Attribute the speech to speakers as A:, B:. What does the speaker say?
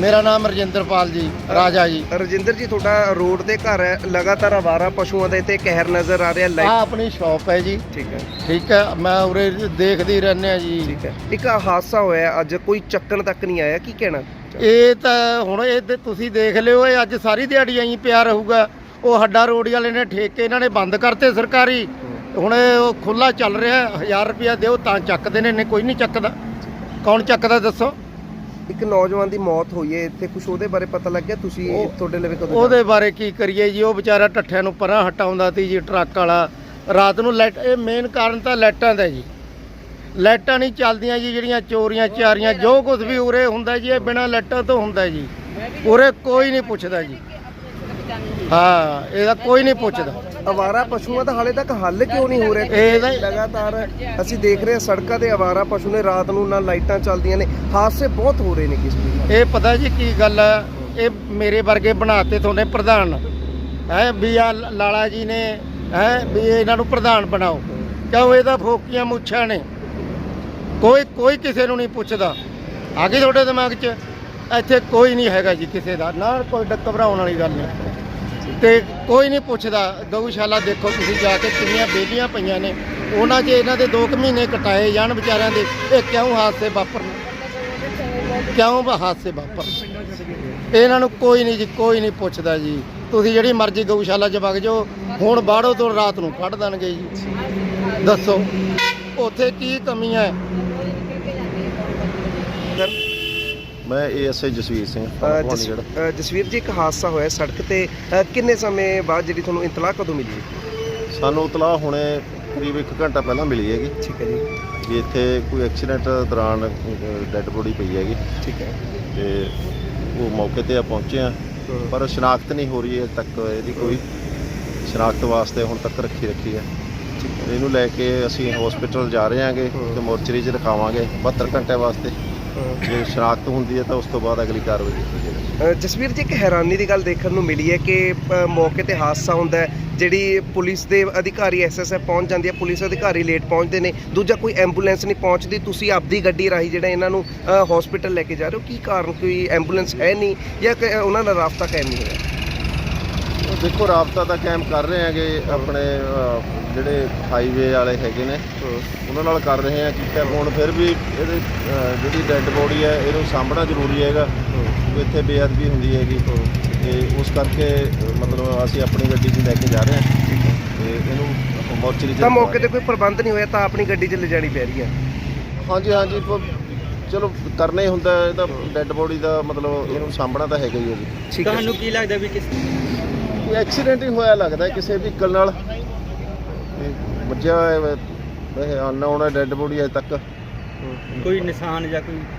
A: ਮੇਰਾ ਨਾਮ ਰਜਿੰਦਰਪਾਲ ਜੀ, ਰਾਜਾ ਜੀ।
B: ਰਜਿੰਦਰ ਜੀ, ਤੁਹਾਡਾ ਰੋਡ ਤੇ ਘਰ ਹੈ, ਲਗਾਤਾਰ ਆਵਾਰਾ ਪਸ਼ੂਆਂ ਦੇ ਤੇ ਕਹਿਰ ਨਜ਼ਰ ਆ ਰਿਹਾ।
A: ਆ ਆਪਣੀ ਸ਼ਾਪ ਹੈ ਜੀ।
B: ਠੀਕ ਹੈ,
A: ਠੀਕ ਹੈ, ਮੈਂ ਉਰੇ ਦੇਖਦੀ ਰਹਿੰਦੇ ਆ ਜੀ।
B: ਠੀਕ ਹੈ। ਇੱਕ ਹਾਦਸਾ ਹੋਇਆ ਅੱਜ, ਕੋਈ ਚੱਕਣ ਤੱਕ ਨਹੀਂ ਆਇਆ, ਕੀ ਕਹਿਣਾ?
A: ਇਹ ਤਾਂ ਹੁਣ ਇਹ ਤੇ ਤੁਸੀਂ ਦੇਖ ਲਿਓ, ਇਹ ਅੱਜ ਸਾਰੀ ਦਿਹਾੜੀ ਐਂ ਪਿਆ ਰਹੂਗਾ। ਉਹ ਹੱਡਾ ਰੋਡ ਵਾਲੇ ਨੇ ਠੇਕੇ ਇਹਨਾਂ ਨੇ ਬੰਦ ਕਰਤੇ ਸਰਕਾਰੀ। ਹੁਣ ਉਹ ਖੁੱਲਾ ਚੱਲ ਰਿਹਾ, 1000 ਰੁਪਇਆ ਦਿਓ ਤਾਂ ਚੱਕਦੇ ਨੇ, ਕੋਈ ਨਹੀਂ ਚੱਕਦਾ। ਕੌਣ ਚੱਕਦਾ ਦੱਸੋ?
B: ਇੱਕ ਨੌਜਵਾਨ ਦੀ ਮੌਤ ਹੋਈ ਹੈ ਇੱਥੇ, ਕੁਝ ਉਹਦੇ ਬਾਰੇ ਪਤਾ ਲੱਗਿਆ? ਤੁਸੀਂ ਤੁਹਾਡੇ ਲਈ ਕਦੋਂ?
A: ਉਹਦੇ ਬਾਰੇ ਕੀ ਕਰੀਏ ਜੀ, ਉਹ ਵਿਚਾਰਾ ਟੱਠਿਆਂ ਨੂੰ ਪਰਾਂ ਹਟਾਉਂਦਾ ਸੀ ਜੀ, ਟਰੱਕ ਵਾਲਾ। ਰਾਤ ਨੂੰ ਲਾਈਟ, ਇਹ ਮੇਨ ਕਾਰਨ ਤਾਂ ਲਾਈਟਾਂ ਦਾ ਜੀ। ਲਾਈਟਾਂ ਨਹੀਂ ਚੱਲਦੀਆਂ ਜੀ, ਜਿਹੜੀਆਂ ਚੋਰੀਆਂ ਚਾਰੀਆਂ ਜੋ ਕੁਝ ਵੀ ਉਰੇ ਹੁੰਦਾ ਜੀ, ਇਹ ਬਿਨਾਂ ਲਾਈਟਾਂ ਤੋਂ ਹੁੰਦਾ ਜੀ। ਉਰੇ ਕੋਈ ਨਹੀਂ ਪੁੱਛਦਾ ਜੀ। ਹਾਂ, ਇਹਦਾ ਕੋਈ ਨਹੀਂ ਪੁੱਛਦਾ।
B: ਆਵਾਰਾ ਪਸ਼ੂਆਂ ਦਾ ਹਾਲੇ ਤੱਕ ਹੱਲ ਕਿਉਂ ਨਹੀਂ ਹੋ ਰਿਹਾ?
A: ਇਹਦਾ
B: ਲਗਾਤਾਰ ਅਸੀਂ ਦੇਖ ਰਹੇ ਹਾਂ ਸੜਕਾਂ ਤੇ ਆਵਾਰਾ ਪਸ਼ੂ ਨੇ, ਰਾਤ ਨੂੰ ਨਾ ਲਾਈਟਾਂ ਚੱਲਦੀਆਂ ਨੇ, ਹਾਦਸੇ ਬਹੁਤ ਹੋ ਰਹੇ ਨੇ। ਕਿਸ ਦੀ
A: ਇਹ ਪਤਾ ਜੀ ਕੀ ਗੱਲ ਹੈ, ਇਹ ਮੇਰੇ ਵਰਗੇ ਬਣਾਤੇ ਤੁਹਾਡੇ ਪ੍ਰਧਾਨ ਹੈ ਵੀ ਆ ਲਾਲਾ ਜੀ ਨੇ, ਹੈ ਵੀ ਇਹਨਾਂ ਨੂੰ ਪ੍ਰਧਾਨ ਬਣਾਓ। ਕਿਉਂ? ਇਹਦਾ ਫੋਕੀਆਂ ਮੁੱਛਾਂ ਨੇ, ਕੋਈ ਕਿਸੇ ਨੂੰ ਨਹੀਂ ਪੁੱਛਦਾ। ਆ ਗਈ ਤੁਹਾਡੇ ਦਿਮਾਗ 'ਚ? ਇੱਥੇ ਕੋਈ ਨਹੀਂ ਹੈਗਾ ਜੀ ਕਿਸੇ ਦਾ, ਨਾ ਕੋਈ ਘਬਰਾਉਣ ਵਾਲੀ ਗੱਲ ਨਹੀਂ। ਤੇ ਕੋਈ ਨਹੀਂ ਪੁੱਛਦਾ। ਗਊਸ਼ਾਲਾ ਦੇਖੋ ਤੁਸੀਂ ਜਾ ਕੇ, ਕਿੰਨੀਆਂ ਬੇਲੀਆਂ ਪਈਆਂ ਨੇ, ਉਹਨਾਂ 'ਚ ਇਹਨਾਂ ਦੇ 2 ਮਹੀਨੇ ਕਟਾਏ ਜਾਣ ਵਿਚਾਰਿਆਂ ਦੇ। ਇਹ ਕਿਉਂ ਹਾਦਸੇ ਵਾਪਰਨ? ਕਿਉਂ ਹਾਦਸੇ ਵਾਪਰਨ? ਇਹਨਾਂ ਨੂੰ ਕੋਈ ਨਹੀਂ ਜੀ, ਕੋਈ ਨਹੀਂ ਪੁੱਛਦਾ ਜੀ। ਤੁਸੀਂ ਜਿਹੜੀ ਮਰਜ਼ੀ ਗਊਸ਼ਾਲਾ 'ਚ ਵਗ ਜਾਓ, ਹੁਣ ਬਾੜੋ ਤੋਂ ਰਾਤ ਨੂੰ ਕੱਢ ਦੇਣਗੇ ਜੀ। ਦੱਸੋ ਉੱਥੇ ਕੀ ਕਮੀ ਹੈ?
C: ਮੈਂ ਏਐਸਆਈ ਜਸਵੀਰ ਸਿੰਘ।
B: ਜਸਵੀਰ ਜੀ, ਇੱਕ ਹਾਦਸਾ ਹੋਇਆ ਸੜਕ ਤੇ, ਕਿੰਨੇ ਸਮੇਂ ਬਾਅਦ ਜਿਹੜੀ ਤੁਹਾਨੂੰ ਇਤਲਾਹ ਕਦੋਂ ਮਿਲੀ?
C: ਸਾਨੂੰ ਇਤਲਾਹ ਹੁਣੇ ਕਰੀਬ 1 ਘੰਟਾ ਪਹਿਲਾਂ ਮਿਲੀ ਹੈਗੀ।
B: ਠੀਕ ਹੈ ਜੀ।
C: ਵੀ ਇੱਥੇ ਕੋਈ ਐਕਸੀਡੈਂਟ ਦੌਰਾਨ ਡੈੱਡ ਬੋਡੀ ਪਈ ਹੈਗੀ।
B: ਠੀਕ ਹੈ।
C: ਤੇ ਉਹ ਮੌਕੇ ਤੇ ਪਹੁੰਚੇ ਆ, ਪਰ ਸ਼ਨਾਖਤ ਨਹੀਂ ਹੋ ਰਹੀ ਹੈ ਤੱਕ। ਇਹਦੀ ਕੋਈ ਸ਼ਨਾਖਤ ਵਾਸਤੇ ਹੁਣ ਤੱਕ ਰੱਖੀ ਹੈ। ਇਹਨੂੰ ਲੈ ਕੇ ਅਸੀਂ ਹਸਪੀਟਲ ਜਾ ਰਹੇ ਹਾਂਗੇ ਤੇ ਮੋਰਚਰੀ 'ਚ ਰਖਾਵਾਂਗੇ 72 ਘੰਟੇ ਵਾਸਤੇ। ਜੇ ਸ਼ਨਾਖਤ ਹੁੰਦੀ ਹੈ ਤਾਂ ਉਸ ਤੋਂ ਬਾਅਦ ਅਗਲੀ ਕਾਰਵਾਈ ਕੀਤੀ ਜਾਵੇਗੀ।
B: ਜਸਵੀਰ ਜੀ, ਇੱਕ ਹੈਰਾਨੀ ਦੀ ਗੱਲ ਦੇਖਣ ਨੂੰ ਮਿਲੀ ਹੈ ਕਿ ਮੌਕੇ ਤੇ ਹਾਦਸਾ ਹੁੰਦਾ ਹੈ, ਜਿਹੜੀ ਪੁਲਿਸ ਦੇ ਅਧਿਕਾਰੀ ਐਸਐਸਐਫ ਪਹੁੰਚ ਜਾਂਦੀ ਹੈ, ਪੁਲਿਸ ਅਧਿਕਾਰੀ ਲੇਟ ਪਹੁੰਚਦੇ ਨੇ, ਦੂਜਾ ਕੋਈ ਐਂਬੂਲੈਂਸ ਨਹੀਂ ਪਹੁੰਚਦੀ। ਤੁਸੀਂ ਆਪਦੀ ਗੱਡੀ ਰਾਹੀਂ ਜਿਹੜਾ ਇਹਨਾਂ ਨੂੰ ਹਸਪੀਟਲ ਲੈ ਕੇ ਜਾ ਰਹੇ ਹੋ, ਕੀ ਕਾਰਨ? ਕੋਈ ਐਂਬੂਲੈਂਸ ਹੈ ਨਹੀਂ ਜਾਂ ਉਹਨਾਂ ਨਾਲ ਰਾਬਤਾ ਕਾਇਮ ਨਹੀਂ ਹੋਇਆ?
C: ਦੇਖੋ, ਰਾਬਤਾ ਤਾਂ ਕਾਇਮ ਕਰ ਰਹੇ ਹੈਗੇ, ਆਪਣੇ ਜਿਹੜੇ ਹਾਈਵੇ ਵਾਲੇ ਹੈਗੇ ਨੇ ਉਹਨਾਂ ਨਾਲ ਕਰ ਰਹੇ ਆ ਕੀਤਾ। ਹੁਣ ਫਿਰ ਵੀ ਇਹਦੇ ਜਿਹੜੀ ਡੈੱਡ ਬੋਡੀ ਹੈ ਇਹਨੂੰ ਸਾਂਭਣਾ ਜ਼ਰੂਰੀ ਹੈਗਾ। ਇੱਥੇ ਬੇਅਦਬੀ ਹੁੰਦੀ ਹੈਗੀ ਤੇ ਉਸ ਕਰਕੇ ਮਤਲਬ ਅਸੀਂ ਆਪਣੀ ਗੱਡੀ 'ਚ ਲੈ ਕੇ ਜਾ ਰਹੇ ਹਾਂ ਤੇ ਇਹਨੂੰ ਮੋਰਚਰੀ 'ਚ।
B: ਤਾਂ ਮੌਕੇ ਤੇ ਕੋਈ ਪ੍ਰਬੰਧ ਨਹੀਂ ਹੋਇਆ ਤਾਂ ਆਪਣੀ ਗੱਡੀ 'ਚ ਲਿਜਾਣੀ ਪੈ ਰਹੀ ਹੈ?
C: ਹਾਂਜੀ, ਚਲੋ ਕਰਨਾ ਹੀ ਹੁੰਦਾ। ਇਹਦਾ ਡੈੱਡ ਬੋਡੀ ਦਾ ਮਤਲਬ ਇਹਨੂੰ ਸਾਂਭਣਾ ਤਾਂ ਹੈਗਾ ਹੀ ਹੈ ਜੀ।
B: ਤੁਹਾਨੂੰ
A: ਕੀ ਲੱਗਦਾ ਵੀ
C: ਕੋਈ ਐਕਸੀਡੈਂਟ ਹੀ ਹੋਇਆ ਲੱਗਦਾ ਕਿਸੇ ਵਹੀਕਲ ਨਾਲ, ਵੱਜਿਆ ਹੋਇਆ। ਵੈਸੇ ਅਨਨੋਨ ਹੈ ਡੈੱਡ ਬੋਡੀ ਅਜੇ ਤੱਕ।
A: ਕੋਈ ਨਿਸ਼ਾਨ ਜਾਂ ਕੋਈ